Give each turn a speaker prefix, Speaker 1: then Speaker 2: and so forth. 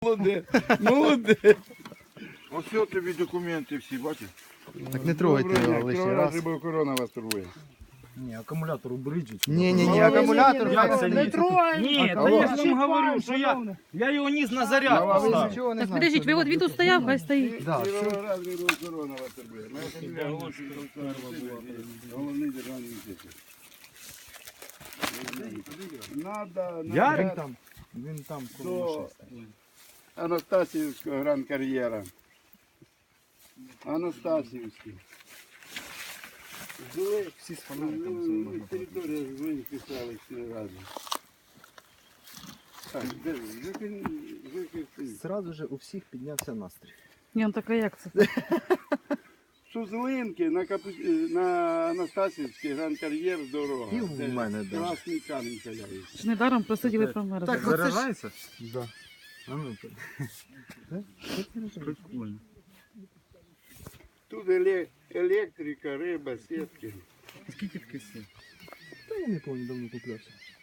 Speaker 1: Молодець, молодець.
Speaker 2: Ось от тобі документи всі, бачиш?
Speaker 3: Так не трогайте його лишній раз.
Speaker 1: Бо корона вас турбує.
Speaker 4: Ні, акумулятор уберіть.
Speaker 3: Ні, акумулятор.
Speaker 4: Як це ні?
Speaker 5: Ні, та
Speaker 1: Алло.
Speaker 5: я ж вам говорю, що я його ніс на заряд
Speaker 1: Ну, а ви
Speaker 5: поставив.
Speaker 3: Нічого не
Speaker 6: Так
Speaker 3: знаєте.
Speaker 6: подождіть, ви от він тут стояв, хай стоїть.
Speaker 3: Да, все.
Speaker 1: Корона вас турбує. Головний державний інститут. Надо,
Speaker 5: Ярик
Speaker 4: там. Він там коло
Speaker 1: до
Speaker 4: машини стоїть.
Speaker 1: Анастасівського гран-кар'єра. Анастасівський. Жили,
Speaker 4: Всі з фонариком.
Speaker 1: територія Зеленської селищної ради. Так, де ви?
Speaker 4: Зразу же у всіх піднявся настрій.
Speaker 6: Ні, ну така як це?
Speaker 1: Сузлинки на Анастасівський гран-кар'єр дорога.
Speaker 4: І в
Speaker 1: Це
Speaker 4: мене даже.
Speaker 1: Красний камінь каляється.
Speaker 6: Ж недаром просиділи промерзли.
Speaker 4: Так, заряджається? Да. А ну,
Speaker 5: Прикольно.
Speaker 1: Тут електрика, риба, сітки.
Speaker 5: Скільки таких сил?
Speaker 4: та я не пам'ятаю, давно куплявся.